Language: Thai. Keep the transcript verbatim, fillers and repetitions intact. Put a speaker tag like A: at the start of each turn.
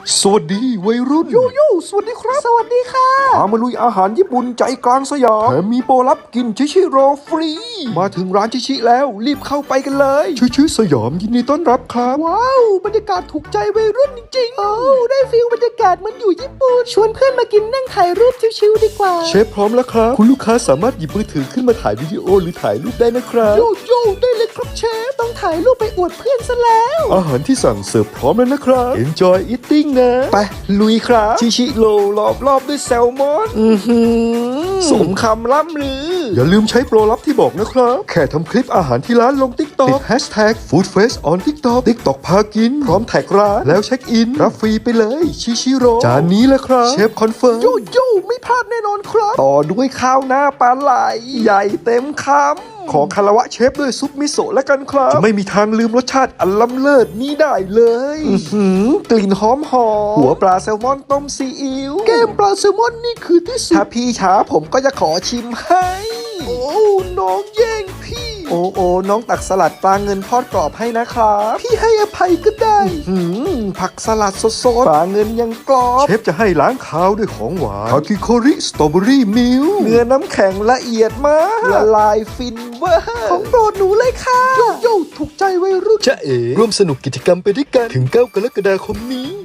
A: สวัสดีวัยรุ่น
B: ยูยูสวัสดีครับสวัสดีค่ะ
A: พามาลุยอาหารญี่ปุ่นใจกลางสยามแถมมีโปรลับกินชิชิโร่ฟรี มาถึงร้านชิชิแล้วรีบเข้าไปกันเลยชิชิสยามยินดีต้อนรับครับ
B: ว้าวบรรยากาศถูกใจวัยรุ่นจริงๆโอ้ได้ฟีลบรรยากาศเหมันอยู่ญี่ปุ่นชวนเพื่อนมากินนั่งถ่ายรูปชิวๆดีกว่า
A: เชฟพร้อมแล้วครับ คุณลูกค้าสามารถหยิบมือถือขึ้นมาถ่ายวิดีโอหรือถ่ายรูปได้นะครับ
B: โยโย่ได้เลยครับเชฟต้องถ่ายรูปไปอวดเพื่อนซะแล้ว
A: อาหารที่สั่งเสิร์ฟพร้อมแล้วนะครับ Enjoy eating นะ ไปลุยครับชิชิโร่รอบรอบด้วยแซลมอนอือหือสมคำล่ำลือ อย่าลืมใช้โปรลับที่บอกนะครับ แค่ทำคลิปอาหารที่ร้านลง TikTok ติด Hashtag Foodfest on TikTok TikTok พากินพร้อมแท็กร้านแล้วเช็คอินรับฟรีไปเลยชิชิโร่จานนี้แหละครับเชฟคอนเฟิร์ม
B: โยโย่ไม่พลาดแน่นอนครับ
A: ต่อด้วยข้าวหน้าปลาไหลใหญ่เต็มคำขอคารวะเชฟด้วยซุปมิโซะแล้วกันครับจะไม่มีทางลืมรสชาติอันล้ำเลิศนี้ได้เลยอื้อหือกลิ่นหอมหอมหัวปลาแซลมอนต้มซีอิ๊ว
B: แก้มปลาแซลมอนนี่คือที่สุ
A: ถ้า
B: ด
A: พี่ช้าผมก็จะขอชิมให้
B: โอ้น้องแย่งพี่
A: โอ้โอ้น้องตักสลัดปลาเงินทอดกรอบให้นะครับ
B: พี่ให้อภัยก็ได้
A: หืมผักสลัดสดๆปลาเงินยังกรอบเชฟจะให้ล้างคาวด้วยของหวานคาคิโคริสตรอเบอรี่มิลเนื้อน้ำแข็งละเอียดมากละลายฟินเวอร์
B: ของโปรดหนูเลยค่ะโยโย่ถูกใจวัยรุ่น
A: จะเอ๋ร่วมสนุกกิจกรรมไปด้วยกันถึงเก้ากรกฎาคมนี้